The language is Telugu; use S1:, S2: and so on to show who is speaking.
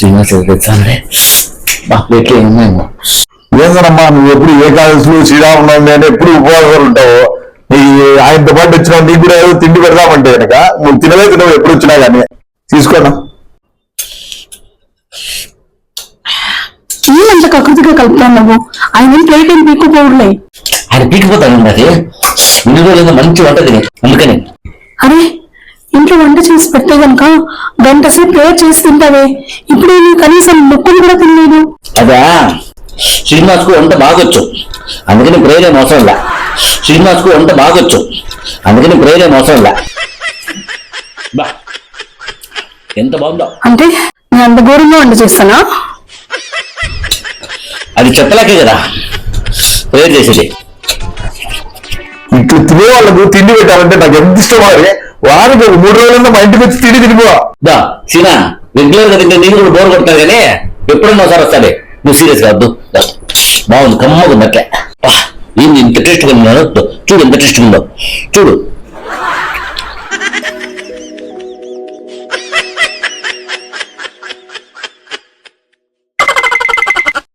S1: శ్రీనివాస్ తెచ్చానే ప్లేట్లు ఏమున్నాయేమో.
S2: ఏందనమ్మా నువ్వు ఎప్పుడు ఏకాదశులు శ్రీరామనవమి అని ఎప్పుడు ఉపవాసాలు ఉంటావు. నీ ఆయనతో పాటు వచ్చినా నీకు కూడా ఏదో తిండి పెడదామంటే కనుక నువ్వు తినవు ఎప్పుడు వచ్చినా కానీ తీసుకోనా.
S3: ఏమంత కకృతిగా కలుపుతాను నువ్వు. ఆయన ప్లేట్ ఏం పీక్కుపోవులే.
S1: ఆయన పీకిపోతాను అది ఇన్ని రోజులు మంచి వంట తిని అందుకని.
S3: అరే ఇంట్లో వంట చేసి పెడితే గనక గంట సేపు ప్రేయర్ చేసి తింటావే. ఇప్పుడు నేను కనీసం ముక్కులు కూడా తినలేదు.
S1: అదా శ్రీనివాస్ కు వంట బాగొచ్చు అందుకని ప్రేరే మోసం లే. శ్రీనివాస్ కు వంట బాగొచ్చు అందుకని ప్రేరే మోసం లే. బా ఎంత బాగుందో.
S3: అంటే నేను అంత ఘోరంగా వంట చేస్తానా?
S1: అది చెప్పలేకే కదా ప్రేర్ చేసేది.
S2: ఇట్లు తినే వాళ్ళకు తిండి పెట్టాలంటే నాకు ఎంత ఇష్టం. మరి వారికి 3 రోజులన్నా మా ఇంటికి వచ్చి తిండి తినిపో.
S1: దా సీనా రెగ్యులర్ గా తింటే నీకు కూడా బోర్ కొడతారు కానీ ఎప్పుడన్నా ఒకసారి వస్తాడే. నువ్వు సీరియస్ కావద్దు. బాగుంది కమ్మగా ఉంది అట్లే. ఏంది ఇంత టేస్ట్ గా చూడు ఎంత టేస్ట్ ఉందో చూడు.